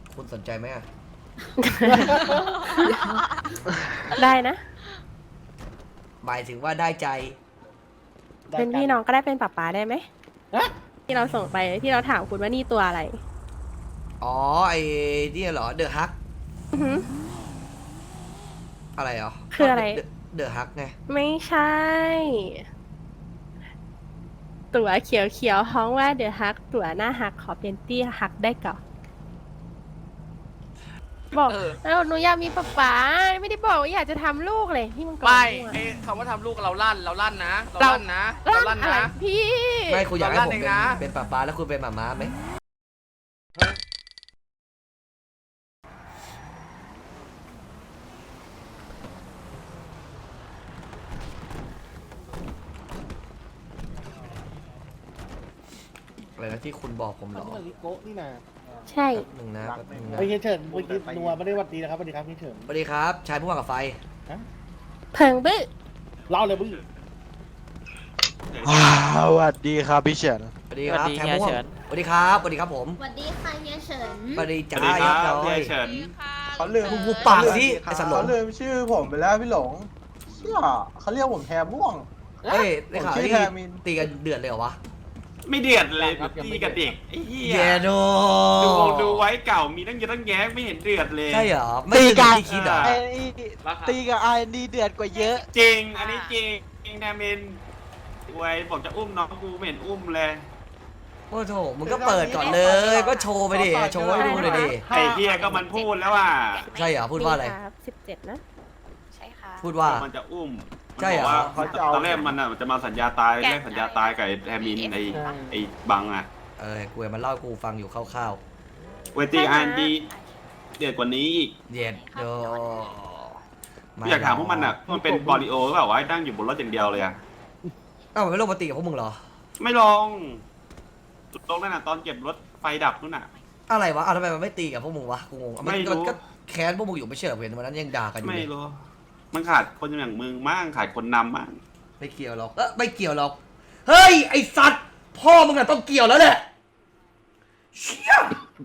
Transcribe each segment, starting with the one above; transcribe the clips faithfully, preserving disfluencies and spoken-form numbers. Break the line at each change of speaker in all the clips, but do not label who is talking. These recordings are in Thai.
คุณสนใจไหมอะ
ได้นะ
หมายถึงว่าได้ใจ
เป็นพี่น้องก็ได้เป็นป๊าป๊าได้ไหมที่เราส่งไปที่เราถามคุณว่านี่ตัวอะไร
อ๋อไอ้นี่เหรอเดอะฮัก
อือหือ
อะไรเหรอ
คืออะไร
เดอะฮักไง
ไม่ใช่ ตัวเขียวเขียวๆฮ้องว่าเดอะฮักตัวหน้าฮักขอเป็นตี้ฮักได้ก่อนบอก
เออ
แล้วหนูอยากมีป๊าป๊าไม่ได้บอกว่าอยากจะทำลูกเลยที่มันก่อน
ไม่
มั่ว
ไอ้คำว่าทำลูกเราลั่นเราลั่นนะเราลั่นนะเรา
ลั่
ลั่
น
น
อะไร
นะ
พี่
ไม่คุณอยากให้ผม
เราลั่นเอง
เป็น
นะ
เป็นป้าป้าแล้วคุณเป็นหมาม้าไหมอะไรนะที่คุณบอกผมเหรอ
นี่มันลิโกะนี่นะ
ใช่
แป๊บหนึ่งนะแป๊บหนึ่งนะ
เฮ้ยเฮียเฉินเมื่อกี้นัวไม่ได้หวัดดีนะครับสวัสดีครับเฮียเฉิน
สวัสดีครับชายผู้ว่ากับไฟ
เพิงบื้อ
เล่าเลยบึ้ง
สวัสดีครับพี่เฉิน
สวัสดีครับ
สวัสดี
ชาย
เฮีย
ผู้ว่า
เฉิน
สวัสดีครับสวัสดีครับผม
สวัสดีค่ะเฮียเฉิน
สวัสดีจ้า
สวัสดีครับ
เรียบร้อย
เฮียเฉิน
เขาลืม
มึงหูปากสิไอ้สันหลง
เขาลืมชื่อผมไปแล้วพี่หลงเชื่อเขาเรียกผมแทมม่วง
เฮ้ยได้ข่าว
ผมชื่อ
ที่
แทมิน
ตีกันเดือดเลยเหรอวะ
ไม่เดือดเลยตีกับเด็กไอ้เหี้ย
เยโด
ดูดูไว้เก่ามีตั้งเยอะตั้งแยะไม่เห็นเดือดเลย
ใช่เหรอไม่ตีกันที่คิดเหรอ
ไอ้นี่ตีกับไอ้นี่เดือดกว่าเยอะ
จริง อันนี้จริงจริงแทมินไว้บอกจะอุ้มน้องกูไม่เห็นอุ้มเลย
โอ้โถมึงก็เปิดก่อนเลย ก็โชว์ไปดิโชว์ให้ดูเลยดิ
ไอ้เหี้ยก็มันพูดแล้วว่า
ใช่เหรอพูดว่าอะไร
สิบเจ็ดนะ
ใช่ค่ะ
พูดว่า
มันจะอุ้ม
ใช่เหรอ
มันบอกว่าตอนแรกมันอ่ะจะมาสัญญาตายแรกสัญญาตายกับไอ้แทมินไอ้ไอ้บังอ่ะ
เออกูมันเล่าให้กูฟังอยู่คร่าว
เวทีอันดีเดือดกว่านี้อีก
ๆเย็ดโด
อยากถามพวกมันอ่ะมันเป็นบอลิโอหรือเปล่าวะนั่งอยู่บนรถอย่างเดียวเลยอ่ะ
เอ้ามันไม่ลงมาตีกับพวกมึงเหรอ
ไม่ลงลงนั่นน่ะตอนเก็บรถไฟดับนู่นน่ะ
อะไรวะอ้าวทำไมมันไม่ตีกับพวกมึงวะกูงง
ไม่รู้
มันก็แค้นพวกมึงอยู่ไม่ใช่เหรอเห็นวันนั้นยังด่ากันอยู่
ไม่
เลย
รู้มันขาดคนอย่างมึงมั่งขาดคนนำมั่ง
ไม่เกี่ยวหรอกเออไม่เกี่ยวหรอกเฮ้ยไอสัตว์พ่อมึงอะต้องเกี่ยวแล้วแหละเชี่ย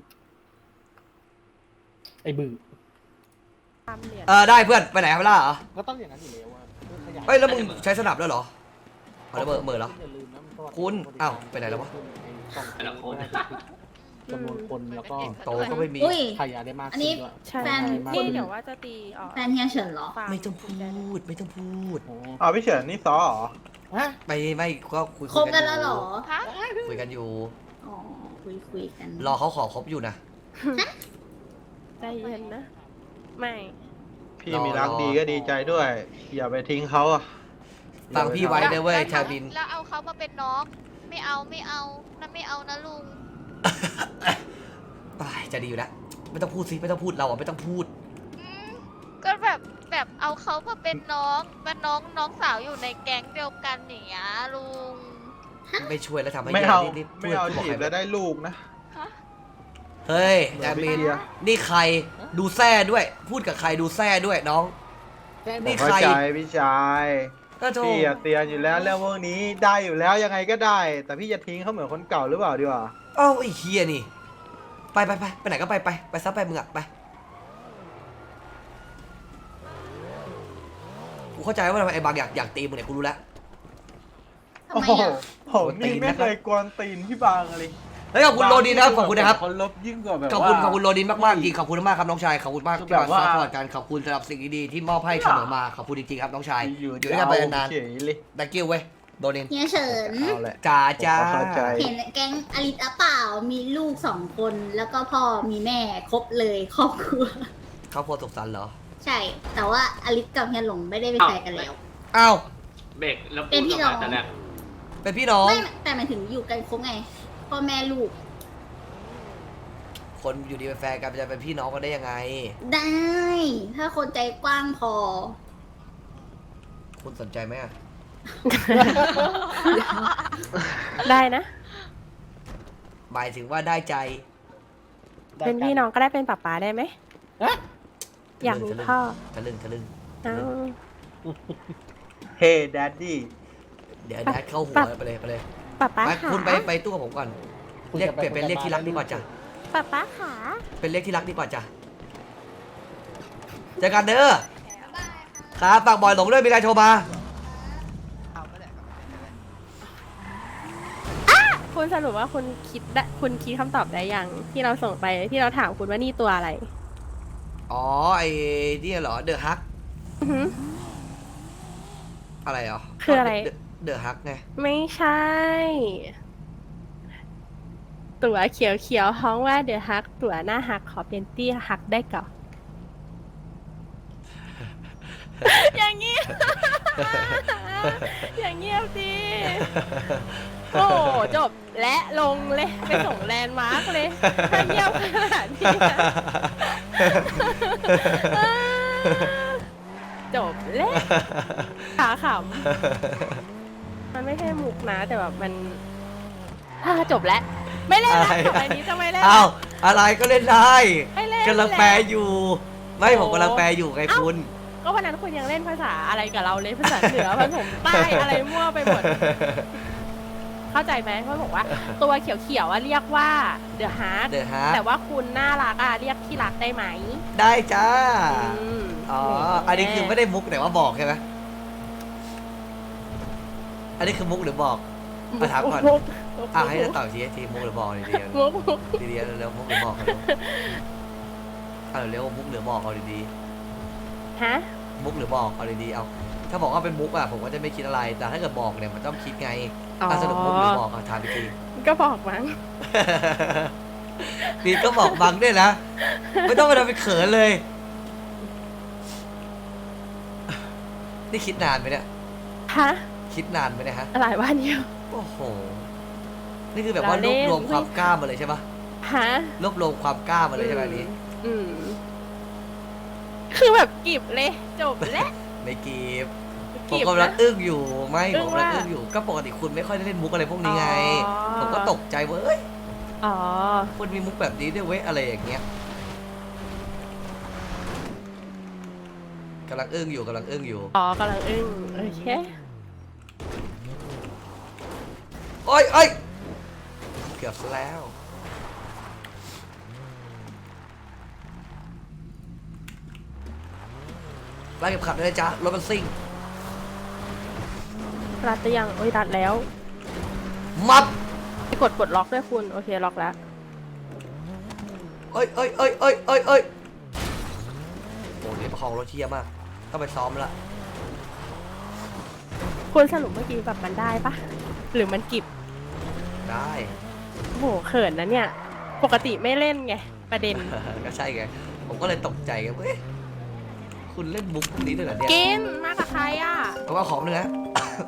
ไอ้บึ้ง
ตามเหรียญ
เออได้เพื่อนไปไหนครับล่าเหรอ
ก็ต้องอย่างนั้นอยู่แล้วอะขยาย
เฮ้ยแล้วมึงใช้สนับแล้วเหรอเอาแล้วเบอร์เบอร์เหรอ
อย่าลืมนะมันก็
คุณอ้าวไปไหนแล้ววะ
ไอ้สองคนจำนวนคนแล้วก็
โตก็ไม่มี
อุ้ย
ขยายได้มาก
อันนี้
ขึ้นด้วย
ใช่
แฟน
นี่เดี๋ยวว่าจะตีออก
แฟนเฮียเฉินเหรอ
ฟาร์
ไม่ต้องพูดไม่ต้องพูด
โอ้
อ๋อพี่เฉินนี่ซอเหรอ
ฮะ
ไม่ไม่ก็คุย
คบกันแล้วเหรอ
คุยกันอยู่
อ๋อ คุยคุยกัน
รอเขาขอคบอยู่นะ
ใจเย็นนะ ไม่
พี่มีรักดีก็ดีใจด้วย อย่าไปทิ้งเขาอะ
ฟังพี่ไว้นะเว้ยชาบิน
แล้วเอาเขามาเป็นน้อง ไม่เอาไม่เอานั่นไม่เอานะลุง
ตายจะดีอยู่แล้วไม่ต้องพูดสิไม่ต้องพูดเราอะไม่ต้องพูด
อืมก็แบบแบบเอาเขามาเป็นน้องเป็นน้องน้องสาวอยู่ในแก๊งเดียวกันอย่างเงี้ยลุง
ไม่ช่วยแล้วทำให้
ไม่
แย่
เอา
นิดๆ
ไม่เอา
พูด
จี
ใคร
บแล้วได้ลูกนะ
เฮ้ย
เหมื
แอ
อน
ดมิน
ไปเคลียร์
นี่ใครดูแซ่ด้วย พูดกับใครดูแซ่ด้วยน้อง
แค่
นี่
นี้
ใคร
เข้าใจพี่ชาย
ก็โทร
พี่อะเตือนอยู่แล้วเรื่องพวกนี้ได้อยู่แล้วยังไงก็ได้ แต่พี่จะทิ้งเขาเหมือนคนเก่าหรือเปล่าดีกว่า
เอ้าไอ้เฮียนี่ ไปไปไปไปไหนก็ไปไปไปซับไปมึงอะไปกูเข้าใจว่าทำไมไอ้บางอยากอยากตีมึงเนี่ยกูรู้แล้ว
ทำ
โอ้
ไม
โห
อ่ะ
ผมนี่ไม่เคยกวนตีนพี่บางเลย
เฮ้ยขอบคุณโรดินนะครับขอบคุณนะครับ
คนลบยิ่งกว่าแบบ
ขอบคุณ
ว่า
ขอบคุณโรดินมากๆจริงขอบคุณมากครับน้องชายขอบคุณมาก
คือ
ที่
แบบ
มา
ว่า
ซัพพอร์ตกันขอบคุณสำหรับสิ่งดีๆที่มอบให้เสมอมาขอบคุณจริงๆครับน้องชาย
อยู่
อยู่ด้วยกันไปนาน
เฉยเลย
ๆ thank you เว้ยโรดิน
เฮียเฉิน
เอาแหละ
จ้าจ้า
ผมเข้าใจ
เห็นแก๊งอลิสอะเปล่า มีลูกสองคน แล้วก็พ่อมีแม่ครบเลยครอบครัว
ครอบครัวสุขสันต์เหรอ
ใช่ แต่ว่าอลิสกับเฮียหลงไม่ได้เป็นแฟนกันแล้ว
อ้าว
เบรกแล้ว
เป็นพี่น้อง
แต่เนี่ย
เป็นพี่น้อง
ไม่แต่หมายถึงอยู่กันครบไง พ่อแม่ลูก
คนอยู่ดีเป็นแฟนกันจะเป็นพี่น้องกันได้ยังไง
ได้ ถ้าคนใจกว้างพอ
คุณสนใจไหมอะ
ได้นะ
หมายถึงว่าได้ใจ
เป็นพี่น้องก็ได้เป็นป๊าป๊าได้ไหม อยากมีพ่อ
ทะลึ่งทะลึ่ง
เอา
เฮ้แดดดี้
เดี๋ยวแดดเข้าหัวไปเลยไปเลย
ป๊าป๊า
ไป
ค่ะ
คุณไปไปตู้กับผมก่อน เรียกเปลี่ยนเป็นเรียกที่รักดีกว่าจ้ะ
ป๊าป๊าขา
เป็นเลขที่รักดีกว่าจ้ะเจอกันเด้อครับฝากบอยหลงด้วยมีอะไรโทรมา
คุณสรุปว่าคุณคิดได้คุณคิดคำตอบได้ยังที่เราส่งไปที่เราถามคุณว่านี่ตัวอะไร
อ๋อไอ้นี่เหรอเดอะฮัก
อือหือ
อะไรเหรอ
คืออะไร
เดอะฮักไง
ไม่ใช่ ตัวเขียวเขียวๆฮ้องว่าเดอะฮักตัวหน้าฮักขอเป็นตี้ฮักได้ก่อน อย่างเงี้ย อย่างเงียบดิโอ้จบและลงเลยไปส่งแลนด์มาร์กเลยถ้าเงียบขนาดนี้นะจบแล้วขาขำมันไม่ใช่มุกนะแต่แบบมันอ่าจบแล้ว ไม่เล่นแล้วต่อไปนี้จะไม่เล่น
อ้าวอะไรก็เล่นได้
ไม่เล่น
กำลังแปลอยู่ ไม่ผมกำลังแปลอยู่ไงคุณ
ก็วันนั้นคุณยังเล่นภาษาอะไรกับเราเลยภาษาเหนือภาษาใต้อะไรมั่วไปหมด เข้าใจไหมเขาบอกว่า ตัวเขียวๆอะเรียกว่าเดอะฮาร์ด
The Heart
แต่ว่าคุณน่ารักอะเรียกที่รักได้ไหม
ได้จ้า
อืม
อ๋อ อันนี้คือไม่ได้มุกแต่ว่าบอกใช่ไหมอันนี้คือมุกหรือบอกมาถามก่อน
มุก
อ่ะให้จะตอบทีทีมุกหรือบอกดีๆ
มุกมุก
ดีๆเร็วๆมุกหรือบอกเร็วเอาเร็วๆมุกหรือบอกเอาดี
ฮะ
ๆมุกหรือบอกเอาดีๆเอาถ้าบอกว่าเป็นมุกอ่ะผมก็จะไม่คิดอะไร แต่ถ้าเกิดบอกเนี่ยมันต้องคิดไง
อ๋อ
อ่ะสรุปมุกหรือบอกเอาถามอีกที
ก็บอกมั้ง
นี่ก็บอกบังด้วยนะ ไม่ต้องไปทำเป็นเขินเลย นี่คิดนานไหมเนี่ย
ฮะ
คิดนานไหมเนี่ยฮะ
หลายวันอยู่
โอ้โห นี่คือแบบว่า
เรา
ร
เล่
วน บรวมความกล้ามาเลยใช่ปะ
ฮะ
รวบรวมความกล้ามาเลยใช่ไหมอันนี้
อืมคือแบบกิบเลยจบแล้ว
ไม่กีบผม
กีบ
กำลั
นะ
งอึ้งอยู่ไม่
อึ้
ผ
ง
มกำลัง
ว่า
อึ้งอยู่ก็ปกติคุณไม่ค่อยได้เล่นมุกอะไรพวกนี้ไง
อ๋อ
ผมก็ตกใจเว้ย
อ๋อ
คุณมีมุกแบบนี้ด้วยเว้ยอะไรอย่างเงี้ยกำลังอึ้งอยู่กำลังอึ้งอยู่
อ๋อกำลังอึ้งโอเค
โอ้ยโอ้ยเกือบซะแล้วไล่เก็บขับได้เลยจ้ะรถมันซิ่ง
รัดหรือยังโอ้ยรัดแล้ว
มับ
ไปกดปลดล็อกด้วยคุณโอเคล็อกแล้ว
เอ้ยเอ้ยเอ้ยเอ้ยเอ้ยเอ้ยโอ้ยประคองรถเชี่ยมากต้องไปซ้อมละ
คุณสรุปเมื่อกี้แบบมันได้ปะหรือมันกิบ
ได้
โอ้โหเขินนะเนี่ย ปกติไม่เล่นไงประเด็น
ก็ใช่ไงผมก็เลยตกใจไงเว้ยคุณเล่นมุกพวกนี้ด้วยเหรอเนี่ย
กินมากับใครอ่ะ
ผมเอาของหนึงนะ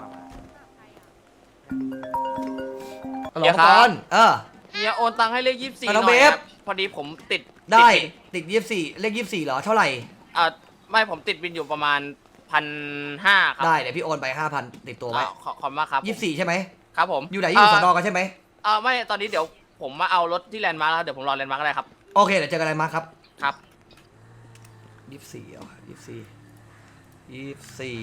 ฮัลโหล
เดี๋ยวครับ
ก่อนเออ
เฮียโอนตังค์ให้เลขยี่สิบสี่ห
อ่ะน้
น่
อง
อย
เบฟ
ครับพอดีผมติด
ได้
ติด
ติดยี่สิบสี่เลขยี่สิบสี่เหรอเท่าไหร่
อ่าไม่ผมติดบินอยู่ประมาณพันห้าครับ
ได้เดี๋ยวพี่โอนไปห้าพันติดตัวไว้
อ่าขอขอบคุณมากครับ
ยี่สิบสี่ใช่ไหม
ครับผม
อยู่ไหนอยู่สอนอ
เ
กันใช่ไหม
เออไม่ตอนนี้เดี๋ยวผมมาเอารถที่แลนด์มาร์คแล้วเดี๋ยวผมรอแลนด์มาร์คก็ได้ครับ
โอเคเดี๋ยวเจอกันอะไรมาครับ
ครับ
ยี่สิบสี่เหรอยี่สิบสี่ยี่สิบสี่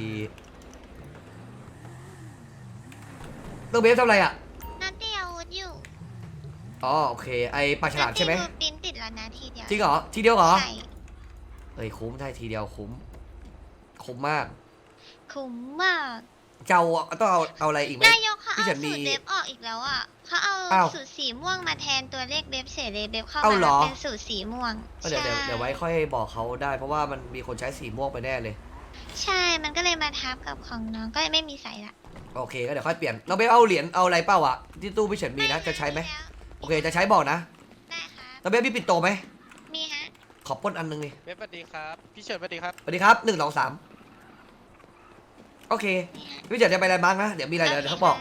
ต้องเบฟทำอะไรอ่ะ
นัดเดียวอาวุธอยู่
อ๋อโอเคไอปลาฉลามใช่ไหม
นัดเดียวปิ้นติดแล้วนะทีเดียว
จริงเหรอทีเดียวเหรอ
ใช่
เฮ้ยคุ้มได้ทีเดียวคุ้มคุ้มมาก
คุ้มมาก
เจ้าต้องเอาเอาอะไรอีกไหม
นายกเขา
พี่
เอา
ฉันมี
สูตรเบบออกอีกแล้วอ่ะเขาเอา
อ้าว
สูตรสีม่วงมาแทนตัวเลขเบบเฉยเลยเบบเข้า
เอา
มา
เหรอ
เป็นสูตรสีม่วง
เดี๋ยวเดี๋ยว
ใช่
เดี๋ยวไว้ค่อยบอกเขาได้ เพราะว่ามันมีคนใช้สีม่วงไปแน่เลย
ใช่ มันก็เลยมาทับกับของน้องก็เลยไม่มีใส่ละ
โอเคก็เดี๋ยวค่อยเปลี่ยนเราไปเอาเหรียญเอาอะไรเปล่าอ่ะที่ตู้พี่เฉินมีนะจะใช้ไหมโอเคจะใช้บอกนะ
ได้ครับ
เราไปพี่ปิดโตไหม
มีฮะ
ขอปล้นอันนึงนี่
เว็บสวัสดีครับ พี่เฉิดสวัสดีครับ
สวัสดีครับหนึ่งสองสามโอเคพี่เฉินจะไปอะไรบ้างนะเดี๋ยวมีอะไรเดี๋ยวเขาบอก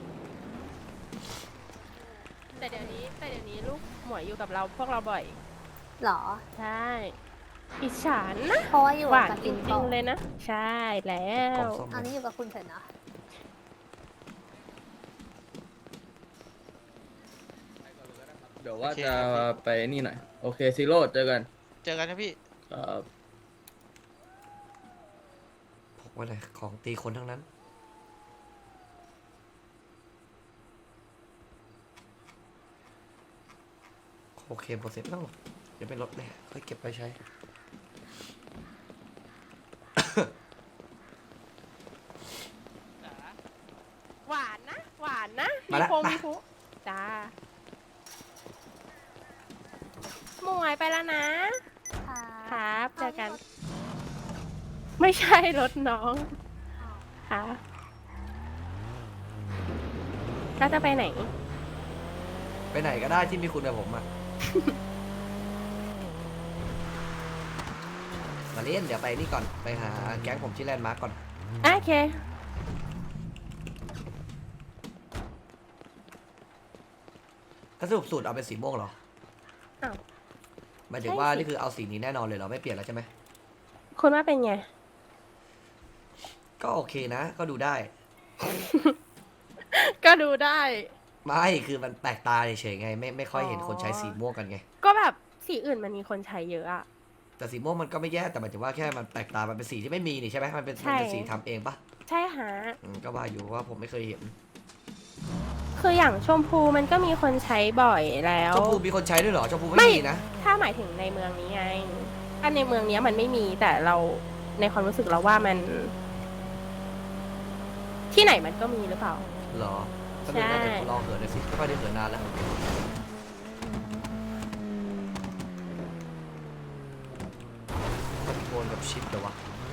แต่เดี๋ยวนี้แต่เดี๋ยวนี้ลูกหมวยอยู่กับเราพวกเราบ่อย
หรอ
ใช่อิจฉานะ
เพราะว่าอยู่
หวาน
กับ
จ
ปิ่น
ริ
โต
งๆเลยนะ ใช่แล้
กล่
ว
องส้ม
อันนี้อยู่กับคุณเฉินเหรอ
เดี๋ยวว่าจะไปนี่หน่อย โอเคซีโร่เจอกัน
เจอกันนะพี่
ครับ
พกไว้เลยของตีคนทั้งนั้นขโอเคโปรเซสแล้วเดี๋ยวไปลดเลยค่อยเก็บไปใช้
หวานนะ หวานนะ
มา
มี
แล้ว
พง
มา
มีพุจ้าหมวยไปแล้วนะ ครับ เจอกัน ไม่ใช่รถน้องครับแล้วจะไปไหน
ไปไหนก็ได้ที่มีคุณกับผมอะ มาเล่นเดี๋ยวไปนี่ก่อนไปหาแก๊งผมที่แลนด์มาร์กก่อน
โอเค
ถ้าสรุปสูตรเอาเป็นสีม่วงเหรอ
อ้าว
หมายถึงว่านี่คือเอาสีนี้แน่นอนเลยเหรอไม่เปลี่ยนแล้วใช่ไหม
คุณว่าเป็นไง
ก็โอเคนะ ก็ดูได้
ก็ดูได้
ไม่คือมันแปลกตาเฉยๆไงไม่ไม่ค่อยเห็นคนใช้สีม่วงกันไง
ก็แบบสีอื่นมันมีคนใช้เยอะอะ
แต่สีม่วงมันก็ไม่แย่แต่หมายถึงว่าแค่มันแปลกตา มันเป็นสีที่ไม่มีนี่ใช่ไหมมันเป็น
ใช่
มันเป็นสีทำเองปะ
ใช่ฮะ
อืมก็ว่าอยู่ว่าผมไม่เคยเห็น
คืออย่างชมพูมันก็มีคนใช้บ่อยแล้ว
ชมพูมีคนใช้ด้วยเหรอชมพูไม่
ไม่
มีนะ
ถ้าหมายถึงในเมืองนี้ไงถ้าในเมืองนี้มันไม่มีแต่เราในความรู้สึกเราว่ามัน ที่ไหนมันก็มีหรือเปล่า
เหรอก็เลย
ใช่
น่าจะลองเหินเลยสิไม่ค่อยได้เหินนานแล้วคอนโทรลกับชิปเดี๋ยววะ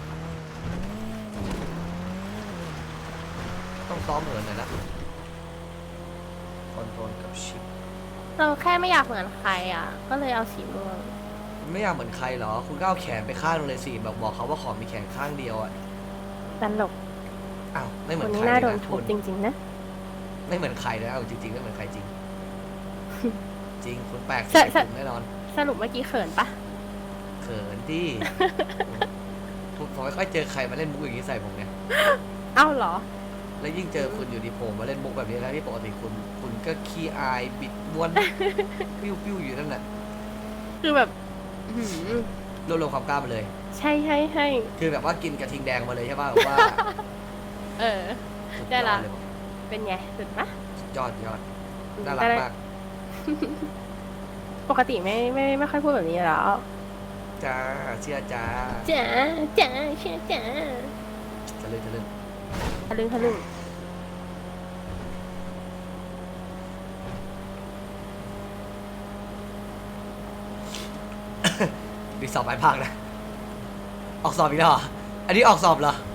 ต้องซ้อมเหินหน่อยนะคอนโทรลกับชิป
เราแค่ไม่อยากเหมือนใครอ่ะ ก็เลยเอาสีม่วง
ไม่อยากเหมือนใครเหรอ คุณก็เอาแขนไปข้างนึงเลยสิแบบบอกเขาว่าขอมีแขนข้างเดียวอ่ะ
ตลก
อ้าวไม่เหมื
ค
อน
น
ใค
นี้
ร
น่า
เลย
โดน
นะ
ทุ
คุ
บ
ณ
จริง ๆ นะ
ไม่เหมือนใครเลยเอาจริงๆไม่เหมือนใครจริง จริงคุณแปลก
ใช่
ใส่
ใช่
ผมแน่นอน
สรุปเมื่อกี้เขินปะ
เขินที่ ผมผมไม่ค่อยเจอใครมาเล่นมุกอย่างนี้ใส่ผมเนี่ย
เอ้าเหรอ
แล้วยิ่งเจอคุณอยู่ดีโผล่มาเล่นมุกแบบนี้แล้วที่ปกติคุณ คุณก็ขี้อายบิดม้วน ปิ้วปิ้วอยู่นั่นแหละ
คือแบบอื้อหือ
รวบรวมความกล้ามาเลย
ใช่ใช่ใช่
คือแบบว่ากินกระทิงแดงมาเลยใช่ป่ะแบบว่า
เออ
สุยอ
ได้ละ
เลย
เป็นไงสุดปะ
สุดยอดยอดน่ารักมาก
ปกติไม่ไม่ไม่ค่อยพูดแบบนี้แล้ว
จ้าเชื่อจ้า
จ๋าจ๋าเชื่อจ๋า
จะเลยจะเลย
ทะลึ่งทะลึ่ง
มีสอบปลายภาคนะ ออกสอบอีกแล้วเหรออันนี้ออกสอบเหรอ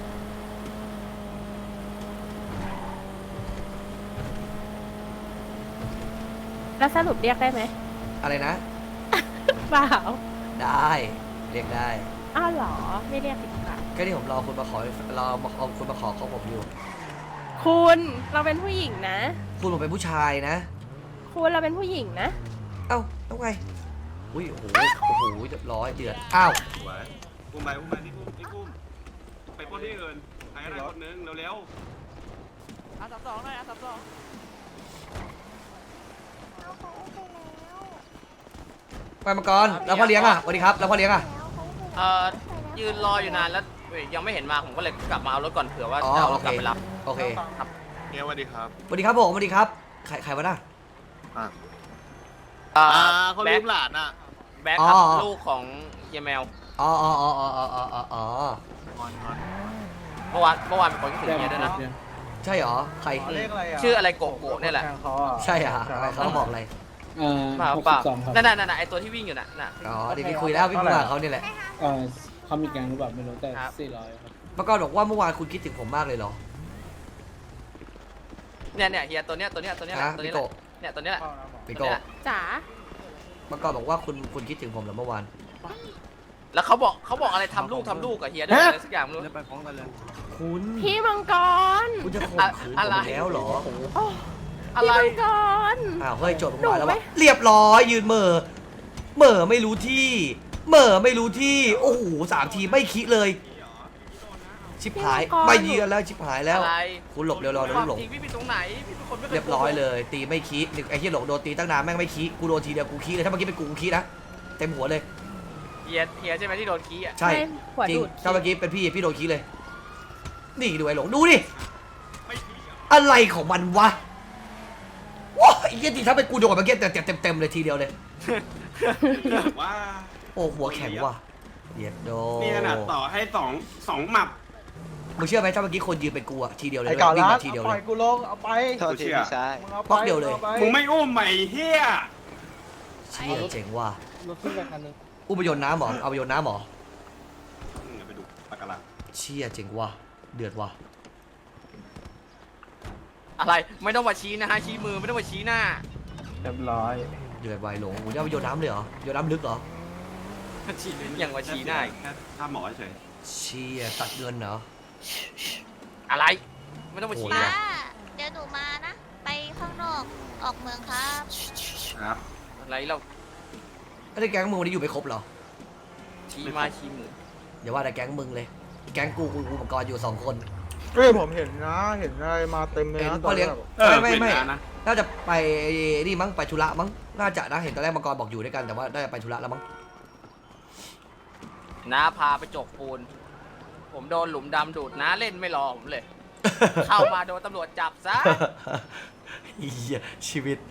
แล้วสรุปเรียกได้ไหม
อะไรนะ
เปล่า
ได้เรียกได้
อ้าวเหรอ ไม่เรียกดีกว่า
ก็ที่ผมรอคุณมาขอรอมาเอาคุณมาขอเขาผมอยู่
คุณเราเป็นผู้หญิงนะ
คุณผมเป็นผู้ชายนะ
คุณเราเป็นผู้หญิงนะ
เอ้าต้องไงอุ้ยโอ้โหโอ้โหเรียบร้อยเดือดอ้าว
สวยอุ้มไปอุ้มไปนี่อุ้มนี่อุ้มไปปล้นที่อื่นใครก็ได้คนนึงเร็ว
อาสามสองหน่อยอาสามสอง
ไปมังกรแล้วพ่อเลี้ยงอ่ะสวัสดีครับแล้วพ่อเลี้ยงอ่ะ
เอ่อยืนรออยู่นานแล้วเว้ยยังไม่เห็นมาผมก็เลยกลับมาเอารถก่อนเผื่อว่า
อ๋อ
จะเอาร
โอ
ถ
เค
กลับไปรับ
โอเค
ครับ
ๆเฮียสวัสดีครับ
สวัสดีครับผมสวัสดีครับใครใครวะน่ะ
เอ่อ
เขา
แบ็
ลื
ค
มหลานอ่ะ
แบ็คครับ
อ๋อ
ลูกของเยแมว
อ๋ออ๋ออ๋ออ๋ออ๋ออ๋ออ๋อ
เมื่อวานเมื่อวานเป็นคนคิดถึงเฮียด้วยนะ
ใช่เหรอใคร
เลขอะไรอ่ะ
ชื่ออะไรโกโก้เนี่ยแหละ
ทงเขาอ่ะ
ใช่เหรออะไรเขาบอกอะไร
เอ่อ
เปล่า
หก
เป
สิ
ล่า
บสองครับ
นั่นน่ะนั่นน่ะไอตัวที่วิ่งอยู่น่ะน่ะ
อ๋อเดี๋ยวพี่คุยแล้วพี่คุยกับเขาเนี่ยแหละ
เอ่อเขามีแกงหรือเปล่าไม่รู้แต่
ครับ
สี่ร้อยครับ
มังกรบอกว่าเมื่อวานคุณคิดถึงผมมากเลยเหรอ
เนี่ยเนี่ยเฮียตัวเนี้ยตัวเนี้ยตัวเนี้ยแห
ฮะ
ละตัว
พี่
เนี้ยแห
โก
ละเนี่ยตัวเนี้ยแหละ
พี่
ตั
โก
วเนี้ย
จ๋า
มังกรบอกว่าคุณคุณคิดถึงผมเหรอเมื่อวาน
แล้วเขาบอกเขาบอกอะไรทำลูกทำลูกกับเฮียด้วยอะไรสักอย่างไม่รู้
ไปพร้อมกันเลย
คุณ
พี่มังกร
คุณจะข่มขืนผ
อะไร
มอีกแล้วเหรอ
โอ้
อะไร
พี่มังกร
อ้าวเฮ้ยโจทย์ผม
หนู
มาแล้ว
ไม่
วะเรียบร้อยยืนเหม่อเหม่อไม่รู้ที่เหม่อไม่รู้ที่โอ้โหสามทีไม่คิดเลย ชิบหายไม่เยือนแล้วชิบหายแล้ว
อะไร
คุณหลบเร็วๆ
ค
นะ
วาม
หลง
จริงพี่เป็นตรงไหนพี่เป็นคนไม่เคย
เรียบร้อยเลย ตีไม่คิดไอ้เหี้ยหลงโดนตีตั้งนานแม่งไม่คิดกูโดนทีเดียวกูคิดเลยถ้าเมื่อกี้เป็นกูกูคิดนะเต็มหัวเลย
เฮียเฮียใช่ไหมที่โดนกี้อ่ะ
ใช่
หัว
จริง
ดูด
ถ้าเมื่อกี้เป็นพี่พี่โดนคิดเลย นี่ดูไอ้หลงดูดิอะไรของมันวะว้าไอ้เหี้ยจริงถ้าเป็นกูโดนเมื่อกี้เต็มเต็มเต็มเลยทีเดียวเลย
ว่า
โอ้หัวแข็งว่ะเย็ดโด
นี่ขนาดต่อให้สองสองหมับ
มึงเชื่อไหมถ้าเมื่อกี้คนยืนเป็นกูอะทีเดียวเลย
ไอ้เก่า
วิ่ง
ร้าน
มาทีเดียว
เอาป
เล
ล่อย
ย
กูลงเอาไป
โทษทีพี่ชาย
มึงเอาไป
ป๊อกเดียวเลย
อาไป
มึงไม่อุ้มใหม่เฮีย
เชี่ยเจ๋งว่ะ
รถขึ้นไปคันนึง
อุปยนต์น้ำเหรอเอาไปโยนน้ำเหรอ
อืมไปดูปากกาลัง
เชี่ยเจ๋งว่ะเดือดว่ะ
อะไรไม่ต้องมาชี้นะฮะชี้มือไม่ต้องมาชี้หน้า
เรียบร้อย
เดือดไวหลงโอ้ยเอาไปโยนน้ำเลยเหรอโยนน้ำลึกเหรอ
ชี้อย่างมาชี้หน้าอีก
แค่ถ้าหมอเฉย
เชี่ยตัดเงินเหรอ
อะไร ไม่ต้องมาชี้
โอ้
ห
ย
น้า
ป้าเดี๋ยวหนูมานะ ไปข้างนอกออกเมืองครับ
ครับ
อะไรเรา
ไอ้แก๊งมึงวันนี้อยู่ไม่ครบเหรอ
ชี้มาชี้มือ
อย่าว่าแต่แก๊งมึงเลย แก๊งกูกูกูมังกรอยู่สองคน
เฮ้ยผมเห็นนะ เห็นอะไรมาเต็มเลย
เห็น
นะ
พ่อเลี้ยง
ตนแรก
เออ
ไม่ไม่ไม่
เวลานะ
น่าจะไปนี่มั้งไปธุระมั้งน่าจะนะเห็นตอนแรกมังกรบอกอยู่ด้วยกันแต่ว่าน่าจะไปธุระแล้วมั้ง
น้าพาไปจกปูน ผมโดนหลุมดำดูดน้าเล่นไม่รอผมเลย เข้ามาโดนตำรวจจับซะ
เหี้ยชีวิต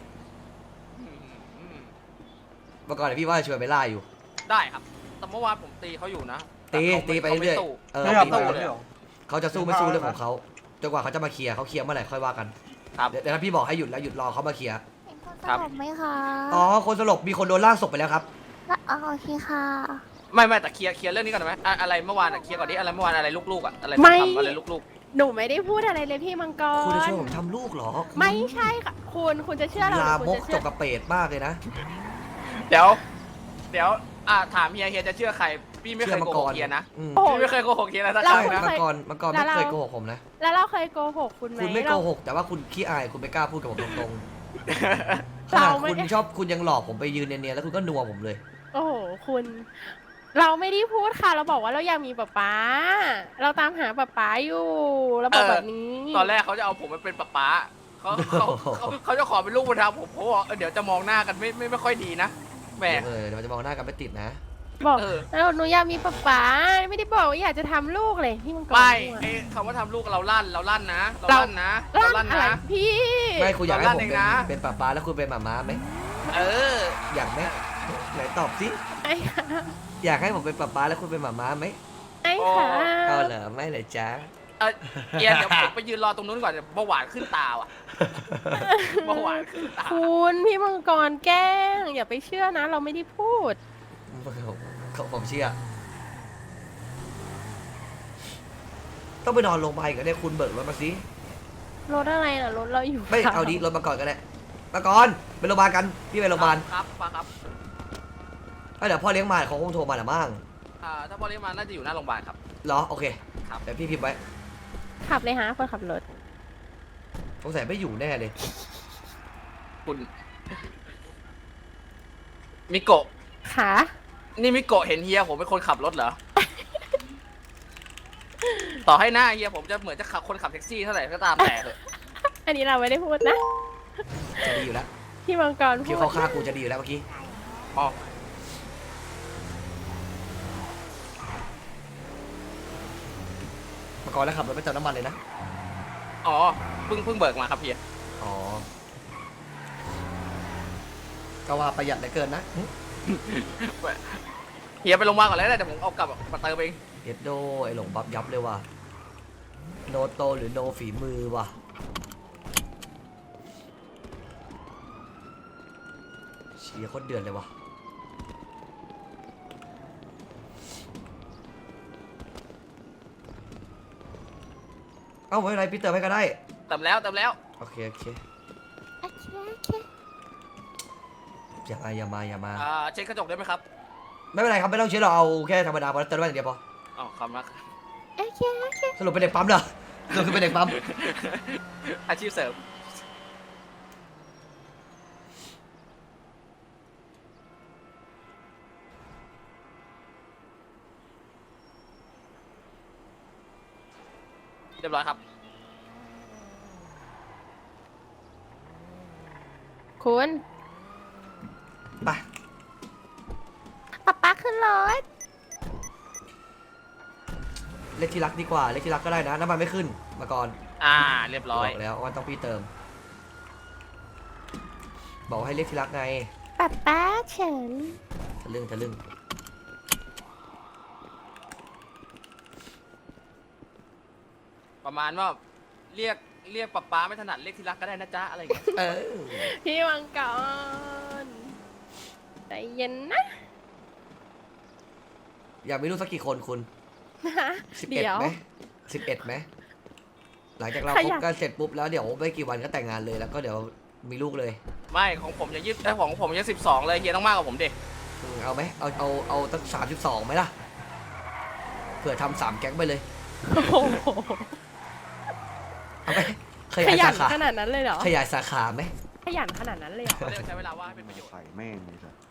มังกรเดี๋ยวพี่ว่าจะชวนไปล่าอยู่
ได้ครับ แต่เมื่อวานผมตีเขาอยู่นะ
ตี
แต่ขา
ตีไป
ขาม่
เรื่อย
สู้
เออ
ไม่เอา
ตี
ไป
ไป
เลยเหรอ
เขาจะสู้ไม่สู้เรื่องของเขาจนกว่าเขาจะมาเคลียร์เขาเคลียร์เมื่อไหร่ค่อยว่ากัน
ครับ
เดี๋ยวเดี๋ยวถ้าพี่บอกให้หยุดแล้วหยุดรอเขามาเคลียร์
เป็นคนส
ครับ
ลบไหมคะ
อ๋อคนสลบมีคนโดนล่างศพไปแล้วครับ
อ๋อโอเคค่ะ
ไม่ไม่แต่เคลียร์เคลียร์เรื่องนี้ก่อนได้ไหมอะอะไรเมื่อวานอะเคลียร์ก่อนดิอะไรเมื่อวานอะไรลูกๆอะอะไร
ไม่
ทำอะไรลูก
หนูไม่ได้พูดอะไรเลยพี่มังกร
คุณจะช่วยผมทำลูกเหรอ
ไม่ใช่ค่ะคุณคุณจะเชื่อเราห
ลา
รือ
ม
คุณ
ก
จะ
จ
เชื่อก
กระเปดมากเลยนะ
ๆ เดี๋ยว เดี๋ยวอ่ะถามเฮียเฮียจะเชื่อใคร พี่ไม่เคยโกหกเฮียนะ
อืม
โอ้โห
พี่ไม่เคยโกหกเฮียนะสักค
เรา
รั้ง
ใช่
นะ
มังกรมังกรไม่เคยโกหกผมนะ
แล้วเราเคยโกหกคุณไหม
คุณไม่โก
เรา
หกแต่ว่าคุณขี้อายคุณไม่กล้าพูดกับผมตรงๆข
เรา
นาด
ไม่
คุณชอบคุณยังหลอกผมไปยืนเนียนๆแล้วคุณก็นัวผมเลย
โอ้โหคุณ เราไม่ได้พูดค่ะ เราบอกว่าเราอยากมีป๊าป๊า เราตามหาป๊าป๊าอยู่เราบอกแบบนี้
ตอนแรกเขาจะเอาผมไปเป็นป๊าป๊าเขาเขาเขาเขาจะขอเป็นลูกบุญธรรมผมผมบอกเออเดี๋ยวจะมองหน้ากันไม่ไม่ไม่ค่อยดีนะแหม
เออเดี๋ยวมันจะมองหน้ากันไม่ติดนะ
บอก
เออ
แล้วหนูอยากมีป๊าป๊าไม่ได้บอกว่าอยากจะทำลูกเลยที่มังกร
ไม่
พูด
ไอ้คำว่าทำลูกเราลั่นเราลั่นนะ เรา
เรา
ลั่นนะเรา
ลั่
ลั่
น
น
อะไร
นะ
พี่
ไม่คุณอยากให้ผม
เราลั่นเอง
เป็น
นะ
เป็นป้าป้าแล้วคุณเป็นหมาม้าไหม
เออ
อยากไหมไหนตอบสิ
ไอ้ค่ะ
อยากให้ผมเป็นป้าป้าแล้วคุณเป็นหมาม้าไหม
ไอ้ค่ะ
ก็เหรอไม่เลยจ้า
เออเอียนเดี๋ยวผมไปยืนรอตรงนู้นก่อนเดี๋ยวเบาหวานขึ้นตาว่ะเบาหวานขึ้นตา
คุณพี่มังกรแกล้งอย่าไปเชื่อนะ เราไม่ได้พูด
ผมผมเชื่อต้องไปนอนโรงพยาบาลอีกแล้วเนี่ยคุณเบิกรถมาสิ
รถอะไรน่ะรถเราอยู่
ไม่
ค่ะ
เอาดีรถมาก่อนก็ได้มาก่อนไปโรงพยาบาลกันพี่ไปโรงพยาบาล
ครับป้าครับ
เอ้ยเดี๋ยวพ่อเลี้ยงมาเขาคงโทรมาแหละมั้ง
อ่าถ้าบริมาน่าจะอยู่หน้าโรงพยาบาลครับ
เหรอโอเค
ครับ
เดี๋ยวพี่พิมพ์ไว้
ขับเลยฮะคนขับรถ
สงสัยไม่อยู่แน่เลย
คุณมิโกะ
ขา
นี่มิโกะเห็นเฮียผมเป็นคนขับรถเหรอ ต่อให้หน้าเฮียผมจะเหมือนจะขับคนขับแท็กซี่เท่าไหร่ก็ตามแต่เถอะ
อันนี้เราไม่ได้พูดนะ
จะดีอยู่แล้ว
พี่มังกร
คิ
พู
ว
ด
เขาฆ่ากูจะดีอยู่แล้วเมื่อกี้
อ๋อ
มาก่อนแล้วขับรถไปเติมน้ำมันเลยนะ
อ๋อเพิ่งเพิ่งเบิกมาครับเฮีย
อ๋อก็ว่าประหยัดเหลือเกินนะ
เฮียไปโรงพยาบาลก่อนแล้วได้เดี๋ยวผมเอากลับมาเติมเอง
เอ็ดโดไอหลงบับยับเลยว่ะโนโตหรือโนฝีมือว่ะเชียร์โคตรเดือดเลยว่ะเอ้าไม่เป็นไรพี่เติมให้ก็ได้
เติมแล้วเติมแล้ว
โอเคโอเค
โอเคโอเค
อย่ามาอย่ามาอย่ามา
อ่าเช็คกระจกได้ไหมครับ
ไม่เป็นไรครับไม่ต้องเช็ดเราเอาแค่ธรรมดาพอเติมน้ำมันอย่างเดียวพอ
อ๋อขอบคุณมาก
โอเคโอเค
สรุปเป็นเด็กปั๊มเหรอสรุปคือเป็นเด็กปั๊ม
อาชีพเสริมเรียบร้อยครับ
คุณ
ไป
ป๊าป๊าขึ้นรถ
เลขที่รักดีกว่าเลขที่รักก็ได้นะน้ำมันไม่ขึ้นมาก่อน
อ่า เรียบร้อย
บอกแล้วว่าต้องพี่เติม บอกให้เลขที่รักไง
ป๊าป๊าเฉิน
ทะลึ่งทะลึ่ง
ประมาณว่าเรียกเรียกป๊าป๊าไม่ถนัดเรียกที่รักก็ได้นะจ๊ะอะไรอย่างเงี้ย
เออ
พี่มังกรใจเย็นนะ
อยากมีลูกสักกี่คนคุณ
ฮะ
สิบเอ็ด
เดี๋ยว
ไหมสิบเอ็ดไหมหลังจากเรา
ใคร
คบ
อยาก
กันเสร็จปุ๊บแล้วเดี๋ยวไม่กี่วันก็แต่งงานเลยแล้วก็เดี๋ยวมีลูกเลย
ไม่ของผมยังยี่สิบของผมยังสิบสองเลยเฮียต้องมากกว่าผมดิ
อืมเอาไหมเอาเอาเอาตั้งสามสิบสองไหมล่ะเผื่อทำสามแก๊งไปเลย
โอ้โห
เอาไหมข
ข
ยาย
ยั
สาน ขา
ขนาดนั้นเลยเหรอ
ขยายสาขาไหม
ขยันขนาดนั้นเลยเหรอ
เขาเรียกใช้เวลาว่างให้เป็นประโยชน์
ใส่แม่งเลยสัส